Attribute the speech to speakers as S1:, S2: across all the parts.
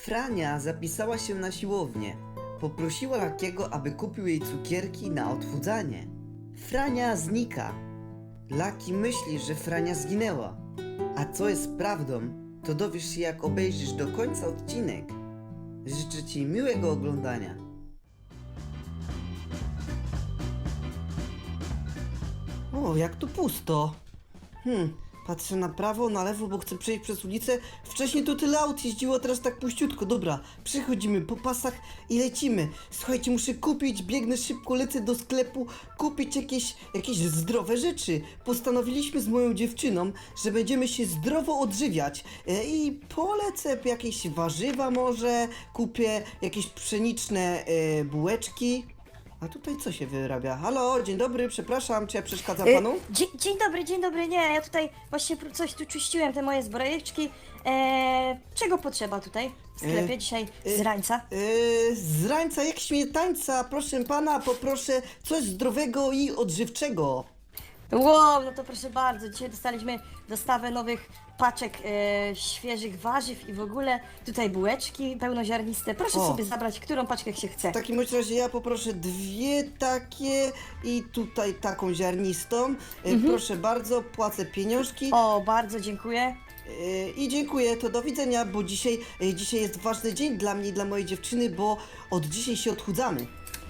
S1: Frania zapisała się na siłownię. Poprosiła Lakiego, aby kupił jej cukierki na odchudzanie. Frania znika. Laki myśli, że Frania zginęła. A co jest prawdą, to dowiesz się, jak obejrzysz do końca odcinek. Życzę Ci miłego oglądania. O, jak tu pusto. Patrzę na prawo, na lewo, bo chcę przejść przez ulicę. Wcześniej to tyle aut jeździło, a teraz tak puściutko. Dobra, przechodzimy po pasach i lecimy. Słuchajcie, muszę kupić, biegnę szybko, lecę do sklepu, kupić jakieś zdrowe rzeczy. Postanowiliśmy z moją dziewczyną, że będziemy się zdrowo odżywiać. I polecę jakieś warzywa może, kupię jakieś pszeniczne bułeczki. A tutaj co się wyrabia? Halo, dzień dobry, przepraszam, czy ja przeszkadzam panu?
S2: Dzień dobry, nie, ja tutaj właśnie coś tu czyściłem, te moje zbrojeczki. Czego potrzeba tutaj w sklepie dzisiaj z rańca?
S1: Z rańca jak śmietańca, proszę pana, poproszę coś zdrowego i odżywczego.
S2: Wow, no to proszę bardzo, dzisiaj dostaliśmy dostawę nowych paczek świeżych warzyw i w ogóle tutaj bułeczki pełnoziarniste. Proszę
S1: O.
S2: sobie zabrać, którą paczkę się chce.
S1: W takim bądź razie ja poproszę dwie takie i tutaj taką ziarnistą. Proszę bardzo, płacę pieniążki.
S2: O, bardzo dziękuję.
S1: I dziękuję, to do widzenia, bo dzisiaj jest ważny dzień dla mnie i dla mojej dziewczyny, bo od dzisiaj się odchudzamy.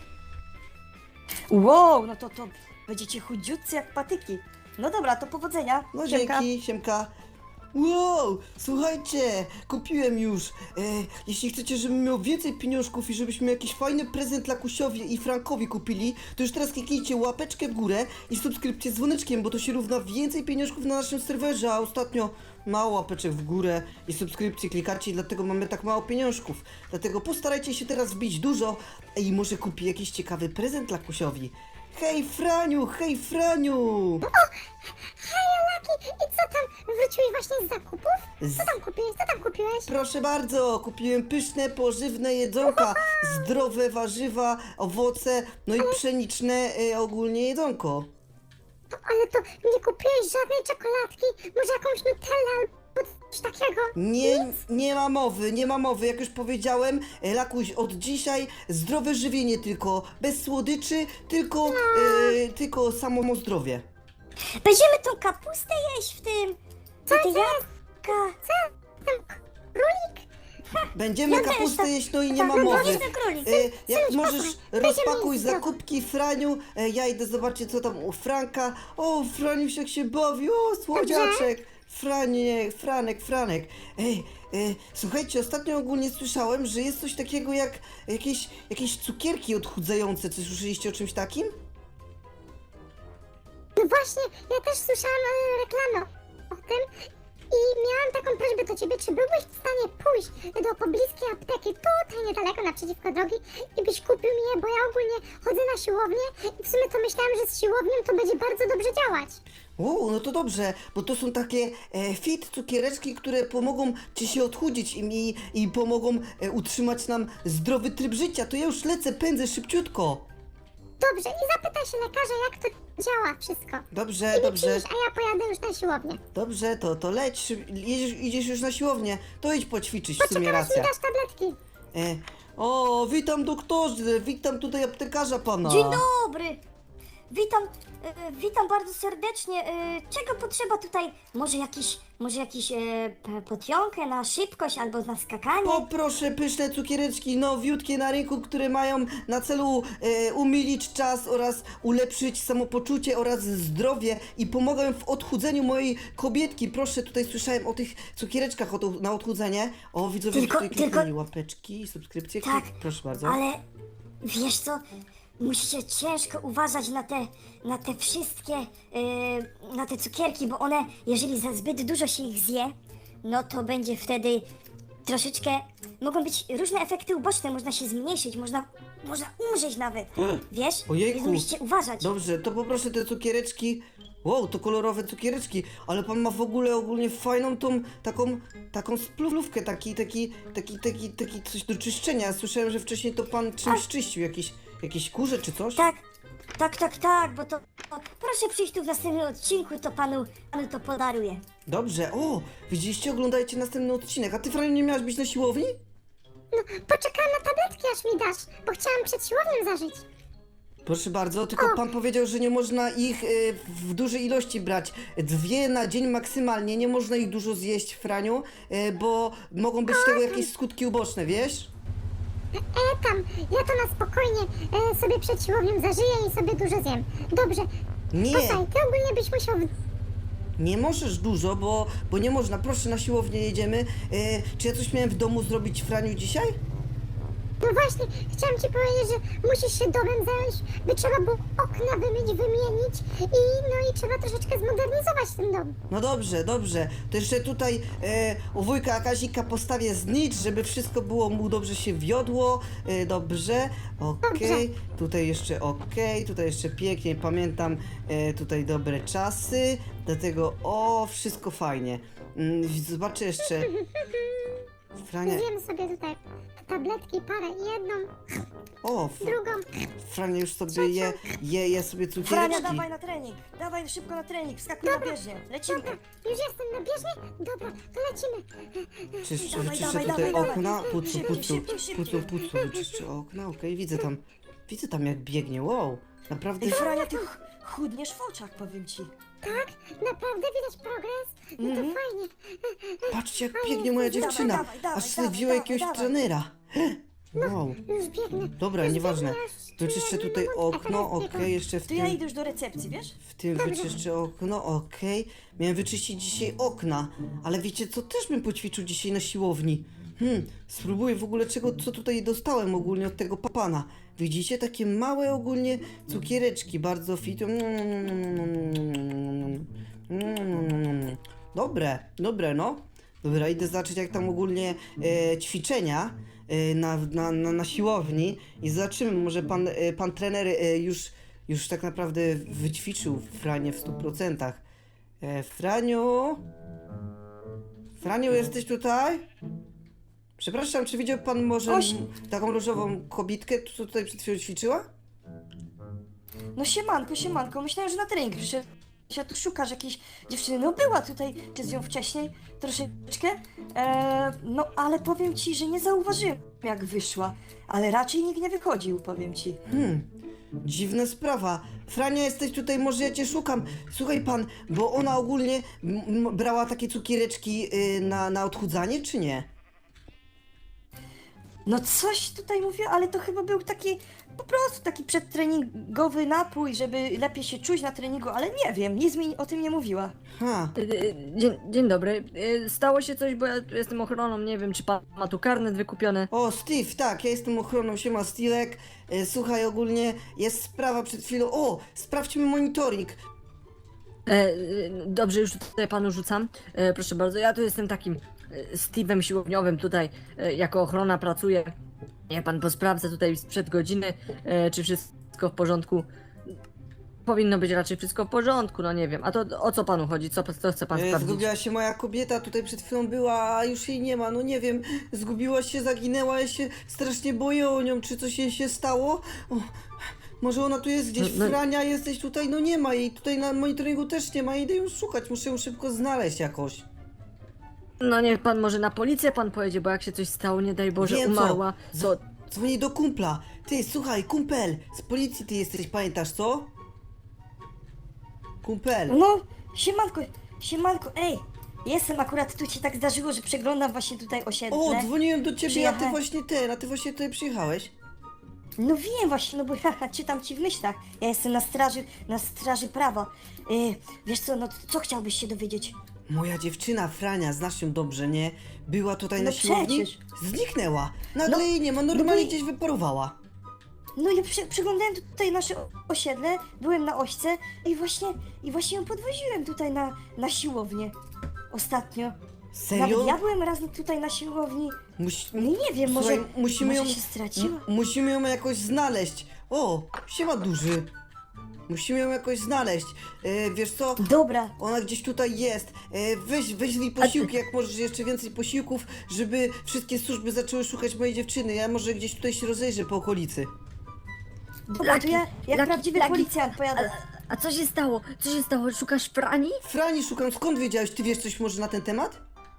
S2: Wow, no to będziecie chudziutcy jak patyki. No dobra, to powodzenia.
S1: No
S2: Siemka.
S1: dzięki, siemka. Wow, słuchajcie, kupiłem już. Jeśli chcecie, żebym miał więcej pieniążków i żebyśmy jakiś fajny prezent Lakusiowi i Frankowi kupili, to już teraz kliknijcie łapeczkę w górę i subskrypcję z dzwoneczkiem, bo to się równa więcej pieniążków na naszym serwerze, a ostatnio mało łapeczek w górę i subskrypcji klikacie i dlatego mamy tak mało pieniążków. Dlatego postarajcie się teraz wbić dużo i może kupię jakiś ciekawy prezent Lakusiowi. Hej Franiu, hej Franiu!
S3: Hej, Laki, i co tam? Wróciłeś właśnie z zakupów? Co tam kupiłeś? Co tam kupiłeś?
S1: Proszę bardzo, kupiłem pyszne, pożywne jedzonka, zdrowe warzywa, owoce, no i pszeniczne ogólnie jedzonko.
S3: Ale to nie kupiłeś żadnej czekoladki? Może jakąś Nutellę albo coś takiego?
S1: Nie ma mowy, jak już powiedziałem, Lakuś, od dzisiaj zdrowe żywienie tylko, bez słodyczy, tylko samo zdrowie.
S2: Będziemy tą kapustę jeść w tym.
S3: Co
S2: Te
S3: to jest?
S2: jabłka.
S3: Co? Ten królik?
S1: Będziemy
S2: Ja też
S1: kapustę
S2: tak-
S1: jeść, no i nie
S2: tak,
S1: ma
S2: no
S1: mowy.
S2: powiedz na królik.
S1: Jak
S3: Synuś,
S1: możesz,
S3: posłuchaj,
S1: rozpakuj
S3: będziemy jeść
S1: zakupki Franiu, ja idę zobaczyć co tam u Franka. O, Franiuś jak się bawi, o, słodziaczek. Franek. Słuchajcie, ostatnio ogólnie słyszałem, że jest coś takiego jak jakieś cukierki odchudzające. Czy słyszeliście o czymś takim?
S3: No właśnie, ja też słyszałam reklamę o tym i miałam taką prośbę do ciebie, czy byłbyś w stanie pójść do pobliskiej apteki tutaj niedaleko naprzeciwko drogi i byś kupił mi je, bo ja ogólnie chodzę na siłownię i w sumie to myślałam, że z siłownią to będzie bardzo dobrze działać.
S1: O, no to dobrze, bo to są takie fit cukiereczki, które pomogą ci się odchudzić i pomogą utrzymać nam zdrowy tryb życia. To ja już lecę, pędzę szybciutko.
S3: Dobrze, i zapytaj się lekarza, jak to działa wszystko.
S1: Dobrze,
S3: I
S1: dobrze.
S3: przyjdź, a ja pojadę już na siłownię.
S1: Dobrze, to leć, idziesz już na siłownię, to idź poćwiczyć, w sumie
S3: Poczekaj, aż mi
S1: racja.
S3: dasz tabletki.
S1: O, witam doktorze, witam tutaj aptekarza pana.
S2: Dzień dobry! Witam bardzo serdecznie. Czego potrzeba tutaj? Może jakiś potionkę na szybkość albo na skakanie?
S1: Poproszę pyszne cukiereczki nowiutkie na rynku, które mają na celu umilić czas oraz ulepszyć samopoczucie oraz zdrowie i pomogą w odchudzeniu mojej kobietki. Proszę, tutaj słyszałem o tych cukiereczkach na odchudzenie. O, widzowie,
S2: Tylko-
S1: tutaj kliknęli łapeczki i subskrypcje.
S2: Tak,
S1: Proszę bardzo.
S2: ale wiesz co? Musicie ciężko uważać na te wszystkie, na te cukierki, bo one, jeżeli za zbyt dużo się ich zje, no to będzie wtedy troszeczkę, mogą być różne efekty uboczne, można się zmniejszyć, można umrzeć nawet, wiesz?
S1: Ojejku.
S2: Więc musicie uważać.
S1: Dobrze, to poproszę te cukiereczki. Wow, to kolorowe cukiereczki, ale pan ma w ogóle ogólnie fajną tą taką spluwkę, taki coś do czyszczenia. Słyszałem, że wcześniej to pan czymś czyścił, jakieś kurze czy coś?
S2: Tak, bo to proszę przyjść tu w następnym odcinku, to panu to podaruję.
S1: Dobrze, o, widzieliście, oglądajcie następny odcinek. A ty, Franiu, nie miałaś być na siłowni?
S3: No, poczekałam na tabletki, aż mi dasz, bo chciałam przed siłownią zażyć.
S1: Proszę bardzo, tylko pan powiedział, że nie można ich w dużej ilości brać. 2 na dzień maksymalnie, nie można ich dużo zjeść, Franiu, bo mogą być tego jakieś skutki uboczne, wiesz?
S3: Tam, ja to na spokojnie sobie przed siłownią zażyję i sobie dużo zjem. Dobrze,
S1: Nie,
S3: posłuchaj, ty ogólnie byś musiał...
S1: nie możesz dużo, bo nie można. Proszę, na siłownię jedziemy. Czy ja coś miałem w domu zrobić, Franiu, dzisiaj?
S3: No właśnie, chciałam ci powiedzieć, że musisz się domem zająć, by trzeba było okna wymyć, wymienić i trzeba troszeczkę zmodernizować ten dom.
S1: No dobrze, dobrze. To jeszcze tutaj u wujka Kazika postawię znicz, żeby wszystko było mu dobrze się wiodło. Dobrze, okej. Tutaj jeszcze okej, tutaj jeszcze pięknie, pamiętam tutaj dobre czasy. Dlatego, wszystko fajnie. Zobaczę jeszcze. Frania,
S3: Zjem sobie tutaj tabletki, parę, jedną, drugą.
S1: Frania już sobie je sobie
S4: Frania,
S1: cukiereczki.
S4: dawaj na trening! Dawaj szybko na trening, wskakuj na bieżnię, lecimy!
S3: Dobra, już jestem na bieżni? Dobra, to lecimy.
S1: Czyszczę
S4: Dawaj,
S1: tutaj
S4: dawaj, dawaj.
S1: okna, pucu,
S4: Szybciej,
S1: pucu,
S4: szybciej, szybciej.
S1: pucu, czyszczę okna, okej, widzę tam jak biegnie, wow, naprawdę,
S4: Ej, Frania, ty chudniesz w oczach, powiem ci.
S3: Tak? Naprawdę widać progres? No to fajnie.
S1: patrzcie jak biegnie moja dziewczyna,
S4: dawaj, dawaj,
S1: aż sobie
S4: dawaj,
S1: wzięła
S4: dawaj,
S1: jakiegoś
S4: dawaj.
S1: trenera, wow,
S3: Już biegnę.
S1: dobra,
S3: Już
S1: nieważne,
S3: biegnę, aż
S1: to czyszczę
S3: czuję
S1: tutaj
S3: moment, a
S1: okno,
S3: teraz biegam.
S1: okej, jeszcze
S4: To ja idę już do recepcji, wiesz?
S1: w tym wyczyszczę okno, okej. Miałem wyczyścić dzisiaj okna, ale wiecie co, też bym poćwiczył dzisiaj na siłowni. Spróbuję w ogóle co tutaj dostałem ogólnie od tego pana. Widzicie, takie małe ogólnie cukiereczki, bardzo fit. Dobre, no. Dobra, idę zobaczyć jak tam ogólnie ćwiczenia na siłowni i zobaczymy, może pan trener już tak naprawdę wyćwiczył Franię w 100%. Franiu? Franiu, jesteś tutaj? Przepraszam, czy widział pan może taką różową kobitkę, co tutaj przed chwilą ćwiczyła?
S4: No siemanko, myślałem, że na trening przyszedł. Się tu szukasz jakiejś dziewczyny, no była tutaj, ty z nią wcześniej, troszeczkę, no ale powiem ci, że nie zauważyłem jak wyszła, ale raczej nikt nie wychodził, powiem ci.
S1: Dziwna sprawa. Frania, jesteś tutaj, może ja cię szukam. Słuchaj pan, bo ona ogólnie brała takie cukiereczki na odchudzanie, czy nie?
S4: No coś tutaj mówię, ale to chyba był taki, po prostu taki przedtreningowy napój, żeby lepiej się czuć na treningu, ale nie wiem, nic mi o tym nie mówiła.
S1: Ha,
S5: Dzień dobry. Stało się coś, bo ja tu jestem ochroną, nie wiem, czy pan ma tu karnet wykupiony.
S1: o Steve, tak, ja jestem ochroną, siema Stilek. Słuchaj, ogólnie jest sprawa przed chwilą. Sprawdźmy monitoring.
S5: Dobrze, już tutaj panu rzucam. Proszę bardzo, ja tu jestem takim Steve'em siłowniowym tutaj, jako ochrona pracuję. Ja pan posprawdza tutaj sprzed godziny, czy wszystko w porządku. Powinno być raczej wszystko w porządku, no nie wiem. A to o co panu chodzi? Co chce pan sprawdzić?
S1: Zgubiła się moja kobieta, tutaj przed chwilą była, a już jej nie ma, no nie wiem, zgubiła się, zaginęła, ja się strasznie boję o nią, czy coś jej się stało? Może ona tu jest gdzieś,
S5: No-
S1: Frania, jesteś tutaj, no nie ma jej, tutaj na monitoringu też nie ma, idę ją szukać, muszę ją szybko znaleźć jakoś.
S5: No niech pan może na policję pan pojedzie, bo jak się coś stało, nie daj Boże,
S1: Wiem co.
S5: umarła, to...
S1: Dzwonię do kumpla, ty, słuchaj, kumpel, z policji ty jesteś, pamiętasz co? Kumpel.
S4: No, siemanko, ej, jestem akurat, tu się tak zdarzyło, że przeglądam właśnie tutaj osiedle.
S1: O, dzwoniłem do ciebie, a ty
S4: Przyjechałem.
S1: właśnie tutaj przyjechałeś.
S4: No wiem właśnie, no bo ja czytam ci w myślach. Ja jestem na straży prawa. Wiesz co, no co chciałbyś się dowiedzieć?
S1: Moja dziewczyna Frania, znasz ją dobrze, nie? Była tutaj na
S4: No
S1: siłowni,
S4: przecież.
S1: zniknęła. Nagle
S4: No,
S1: jej nie ma,
S4: no
S1: normalnie
S4: bo-
S1: gdzieś wyparowała.
S4: No ja przeglądałem tutaj nasze osiedle, byłem na ośce i właśnie ją podwoziłem tutaj na siłownię. Ostatnio.
S1: Serio?
S4: Nawet ja byłem raz tutaj na siłowni. No nie wiem, może,
S1: Słuchaj, musimy
S4: może
S1: ją,
S4: się straciła?
S1: musimy ją jakoś znaleźć. O, siema duży. Musimy ją jakoś znaleźć. Wiesz co?
S4: Dobra,
S1: Ona gdzieś tutaj jest. Weź jej posiłki, jak możesz jeszcze więcej posiłków, żeby wszystkie służby zaczęły szukać mojej dziewczyny. Ja może gdzieś tutaj się rozejrzę po okolicy.
S4: dobra, to ja jak
S5: Laki,
S4: prawdziwy
S5: Laki,
S4: policjant pojadę.
S5: A co się stało? Co się stało? Szukasz Frani?
S1: Frani szukam, skąd wiedziałeś? Ty wiesz coś może na ten temat?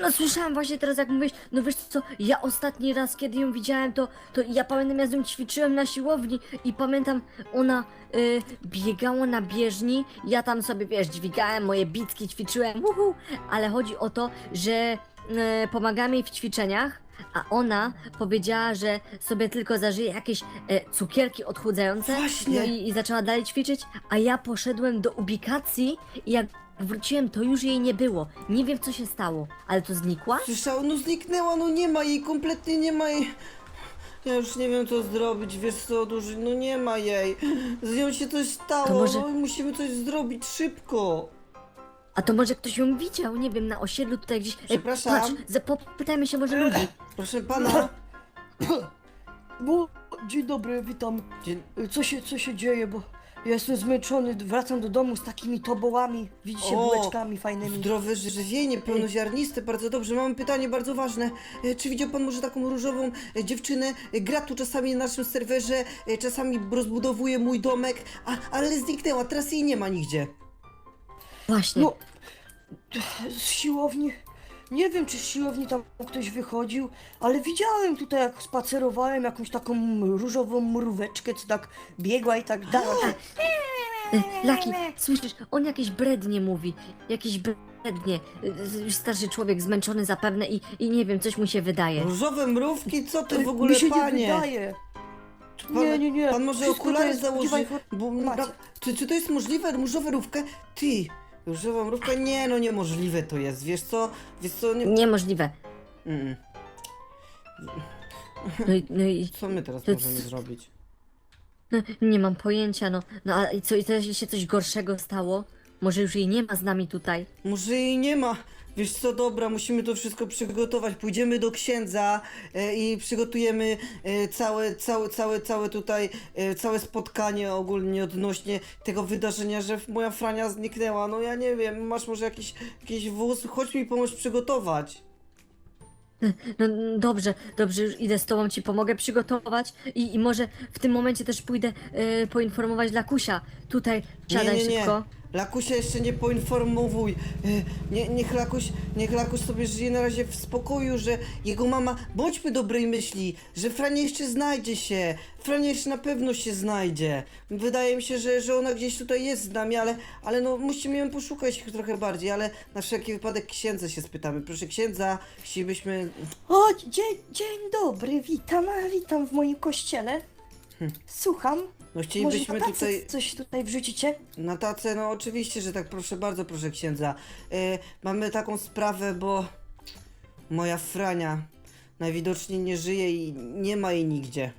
S5: No słyszałam właśnie teraz jak mówisz, no wiesz co, ja ostatni raz kiedy ją widziałem to ja pamiętam ja z nią ćwiczyłem na siłowni i pamiętam ona biegała na bieżni, ja tam sobie wiesz dźwigałem moje bitki, ćwiczyłem, ale chodzi o to, że pomagałem jej w ćwiczeniach, a ona powiedziała, że sobie tylko zażyje jakieś cukierki odchudzające
S1: Właśnie.
S5: no i zaczęła dalej ćwiczyć, a ja poszedłem do ubikacji i jak wróciłem, to już jej nie było. Nie wiem, co się stało, ale to znikła?
S1: Słyszał, no zniknęła, no nie ma jej, kompletnie nie ma jej. Ja już nie wiem co zrobić, wiesz co, duży, no nie ma jej. Z nią się coś stało,
S5: To może-
S1: no i musimy coś zrobić szybko.
S5: A to może ktoś ją widział, nie wiem, na osiedlu tutaj gdzieś.
S1: Przepraszam.
S5: Patrz, popytajmy się może ludzi.
S1: Proszę pana.
S4: Bo, dzień dobry, witam.
S1: Dzień...
S4: Co się dzieje, bo ja jestem zmęczony, wracam do domu z takimi tobołami, widzicie,
S1: O,
S4: bułeczkami fajnymi.
S1: Zdrowe żywienie, pełnoziarniste, bardzo dobrze. Mam pytanie bardzo ważne. Czy widział pan może taką różową dziewczynę? Gra tu czasami na naszym serwerze, czasami rozbudowuje mój domek, ale zniknęła, teraz jej nie ma nigdzie.
S5: Właśnie.
S4: No, z siłowni, nie wiem czy z siłowni tam ktoś wychodził, ale widziałem tutaj jak spacerowałem jakąś taką różową mróweczkę, co tak biegła i tak dalej.
S5: Laki, słyszysz, on jakieś brednie mówi. Jakieś brednie. Już starszy człowiek, zmęczony zapewne i nie wiem, coś mu się wydaje.
S1: Różowe mrówki? Co ty w ogóle,
S4: Mi się
S1: panie?
S4: nie wydaje.
S1: Pan,
S4: Nie.
S1: Pan może
S4: Wszystko to
S1: okulary
S4: jest
S1: założy,
S4: prawdziwa
S1: bo
S4: informacja.
S1: czy to jest możliwe? Różowa mrówka? Ty, różowa mrówka? Nie, no niemożliwe to jest, wiesz co, nie...
S5: Niemożliwe.
S1: Mm.
S5: No i
S1: Co my teraz
S5: To
S1: możemy
S5: c-
S1: zrobić?
S5: no, nie mam pojęcia, no. No a i co, i teraz się coś gorszego stało? Może już jej nie ma z nami tutaj?
S1: Może jej nie ma. Wiesz co, dobra, musimy to wszystko przygotować. Pójdziemy do księdza i przygotujemy całe tutaj, całe spotkanie ogólnie odnośnie tego wydarzenia, że moja Frania zniknęła. No ja nie wiem, masz może jakiś wóz? Chodź mi pomóż przygotować.
S5: No dobrze, już idę z tobą, ci pomogę przygotować i może w tym momencie też pójdę poinformować Lakusia. Tutaj siadaj szybko.
S1: Lakusia jeszcze nie poinformowuj. Niech Lakuś sobie żyje na razie w spokoju, że jego mama... Bądźmy dobrej myśli, że Frania jeszcze znajdzie się. Frania jeszcze na pewno się znajdzie. Wydaje mi się, że ona gdzieś tutaj jest z nami, ale no musimy ją poszukać trochę bardziej, ale na wszelki wypadek księdza się spytamy. Proszę księdza, chcielibyśmy...
S4: O, dzień dobry, witam w moim kościele. Słucham.
S1: No
S4: Może
S1: chcielibyśmy
S4: na tacę
S1: tutaj...
S4: coś tutaj wrzucicie?
S1: Na tacę, no oczywiście, że tak, proszę bardzo, proszę księdza. Mamy taką sprawę, bo moja Frania najwidoczniej nie żyje i nie ma jej nigdzie.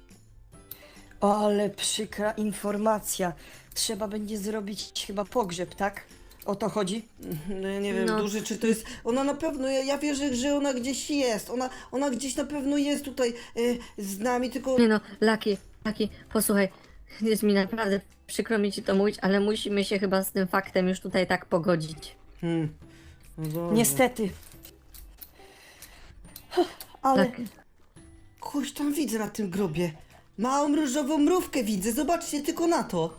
S4: Ale przykra informacja. Trzeba będzie zrobić chyba pogrzeb, tak? O to chodzi?
S1: No, ja nie wiem,
S5: No.
S1: duży, czy to jest... Ona na pewno, ja wierzę, że ona gdzieś jest. Ona gdzieś na pewno jest tutaj z nami, tylko...
S5: Nie no, Laki, posłuchaj, jest mi naprawdę przykro mi ci to mówić, ale musimy się chyba z tym faktem już tutaj tak pogodzić.
S1: No dobrze.
S4: Niestety. Ale
S5: Tak.
S1: Kogoś tam widzę na tym grobie. Małą różową mrówkę widzę, zobaczcie tylko na to.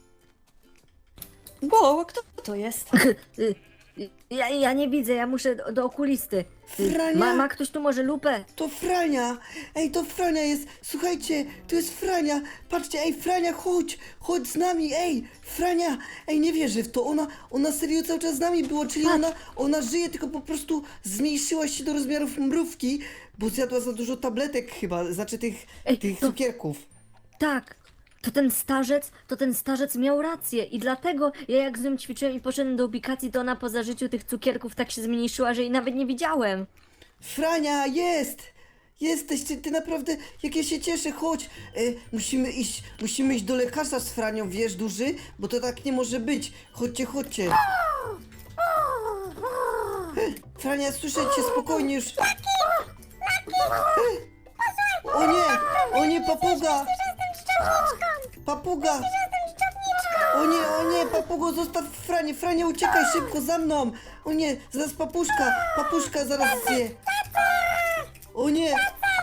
S4: Bo kto to jest?
S5: Ja nie widzę, ja muszę do okulisty.
S1: Frania?
S5: Ma ktoś tu może lupę?
S1: To Frania! Ej, to Frania jest! Słuchajcie, to jest Frania! Patrzcie, ej, Frania, chodź z nami, ej! Frania! Ej, nie wierzę w to, ona serio cały czas z nami była, czyli ona żyje, tylko po prostu zmniejszyła się do rozmiarów mrówki, bo zjadła za dużo tabletek chyba, znaczy tych
S5: Ej, to-
S1: cukierków.
S5: Tak. To ten starzec miał rację i dlatego ja jak z nią ćwiczyłem i poszedłem do ubikacji, to ona po zażyciu tych cukierków tak się zmniejszyła, że jej nawet nie widziałem.
S1: Frania, jest! Jesteś, ty naprawdę, jak ja się cieszę, chodź! Musimy iść do lekarza z Franią, wiesz, duży? Bo to tak nie może być. Chodźcie. Frania, słyszę cię, spokojnie już. O nie, papuga! Papuga! O nie, papugo, zostaw Franię! Frania, uciekaj szybko za mną! O nie, zaraz papuszka zaraz zje! O nie!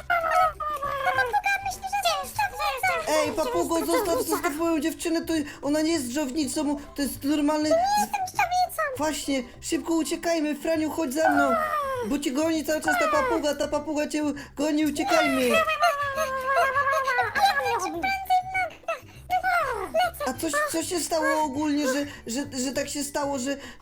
S1: Ej, papugo, zostaw moją dziewczynę, to ona nie jest dżownicą, to jest normalny... Właśnie, szybko uciekajmy, Franiu, chodź za mną! bo cię goni cały czas ta papuga cię goni, uciekajmy. A co się stało ogólnie, że tak się stało,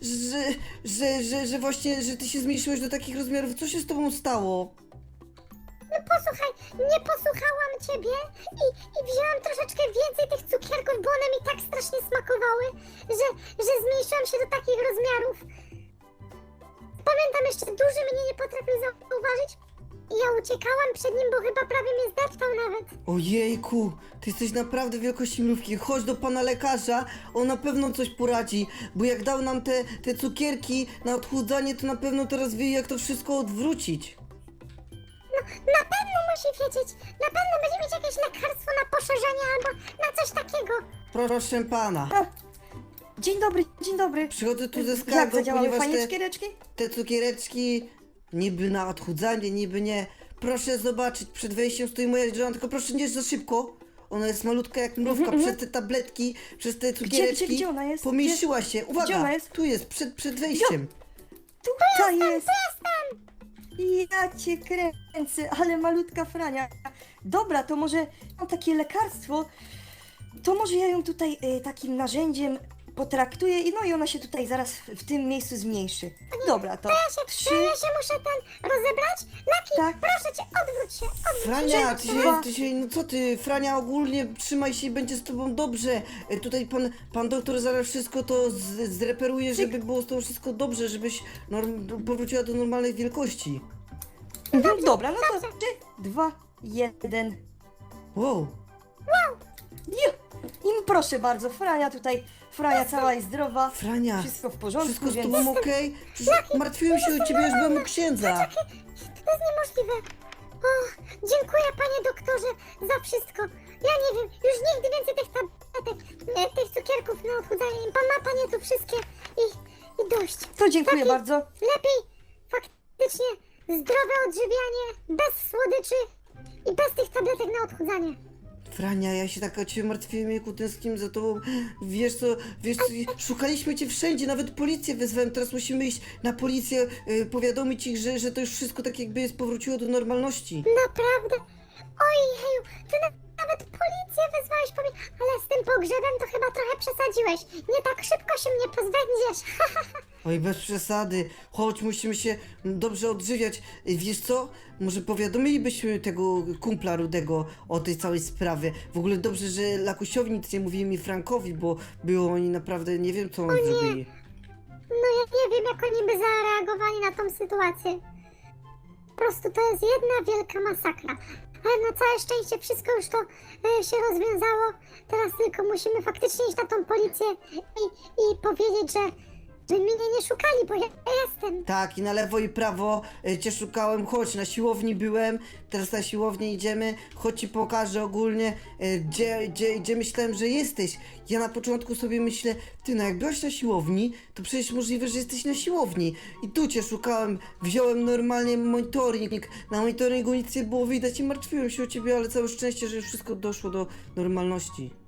S1: że właśnie, że ty się zmniejszyłeś do takich rozmiarów? Co się z tobą stało?
S3: No posłuchaj, nie posłuchałam ciebie i wzięłam troszeczkę więcej tych cukierków, bo one mi tak strasznie smakowały, że zmniejszyłam się do takich rozmiarów. Pamiętam jeszcze, duży mnie nie potrafił zauważyć i ja uciekałam przed nim, bo chyba prawie mnie zdeptał nawet.
S1: Ojejku, ty jesteś naprawdę wielkości mrówki. Chodź do pana lekarza, on na pewno coś poradzi, bo jak dał nam te cukierki na odchudzanie, to na pewno teraz wie, jak to wszystko odwrócić.
S3: No, na pewno musi wiedzieć, na pewno będzie mieć jakieś lekarstwo na poszerzenie albo na coś takiego.
S1: Proszę pana,
S4: Dzień dobry.
S1: przychodzę tu ze
S4: Jak
S1: skargą,
S4: zadziałały
S1: ponieważ
S4: fajnie
S1: te,
S4: cukiereczki?
S1: te cukiereczki niby na odchudzanie, niby nie. Proszę zobaczyć, przed wejściem stoi moja żona, tylko proszę nie za szybko. Ona jest malutka jak mrówka, przez te tabletki, przez te cukiereczki
S4: gdzie ona jest?
S1: pomieściła się.
S4: Gdzie
S1: Uwaga,
S4: ona jest?
S1: tu jest, przed wejściem.
S4: Tutaj jest. Ja cię kręcę, ale malutka Frania. Dobra, to może mam takie lekarstwo, to może ja ją tutaj takim narzędziem potraktuję i no i ona się tutaj zaraz w tym miejscu zmniejszy. Dobra, to
S3: Ja
S4: trzy.
S3: się muszę rozebrać. Laki,
S4: Tak.
S3: proszę cię, odwróć się, odwróć się.
S1: Frania,
S4: Dwa.
S1: no co ty, Frania, ogólnie trzymaj się i będzie z tobą dobrze. Tutaj pan doktor zaraz wszystko to zreperuje, żeby było z tobą wszystko dobrze, żebyś powróciła do normalnej wielkości.
S4: Dobra, no to 3, 2, 1.
S1: Wow,
S4: I proszę bardzo, Frania cała jest zdrowa.
S1: Frania,
S4: Wszystko w porządku,
S1: wszystko z
S4: więc...
S1: tobą okej? Przecież martwiłem się o ciebie, już byłem u księdza.
S3: To jest niemożliwe. O, dziękuję panie doktorze za wszystko. Ja nie wiem, już nigdy więcej tych tabletek, tych cukierków na odchudzanie. Pan ma panie tu wszystkie i dość.
S4: To dziękuję
S3: Taki
S4: bardzo.
S3: Lepiej faktycznie zdrowe odżywianie, bez słodyczy i bez tych tabletek na odchudzanie.
S1: Frania, ja się tak o ciebie martwiłem, jejku, tęskniłem za tobą. Wiesz co, szukaliśmy cię wszędzie, nawet policję wezwałem, teraz musimy iść na policję, powiadomić ich, że to już wszystko tak jakby jest powróciło do normalności.
S3: Naprawdę? Ojeju, ty nawet policję wezwałeś po mnie, ale z tym pogrzebem to chyba trochę przesadziłeś. Nie tak szybko się mnie pozbędziesz.
S1: Oj, bez przesady. Chodź, musimy się dobrze odżywiać. Wiesz co? Może powiadomilibyśmy tego kumpla Rudego o tej całej sprawie. W ogóle dobrze, że Lakusiowi nic nie mówili mi Frankowi, bo było oni naprawdę nie wiem, co oni zrobili.
S3: No ja nie wiem, jak oni by zareagowali na tą sytuację. Po prostu to jest jedna wielka masakra. Ale na całe szczęście wszystko już to się rozwiązało. Teraz tylko musimy faktycznie iść na tą policję i powiedzieć, że mnie nie szukali, bo ja jestem.
S1: Tak, i na lewo i prawo cię szukałem. Chodź, na siłowni byłem, teraz na siłownię idziemy. Chodź ci pokażę ogólnie, gdzie myślałem, że jesteś. Ja na początku sobie myślę, ty no jak byłaś na siłowni, to przecież możliwe, że jesteś na siłowni. I tu cię szukałem, wziąłem normalnie monitoring. Na monitoringu nic nie było widać i martwiłem się o ciebie, ale całe szczęście, że już wszystko doszło do normalności.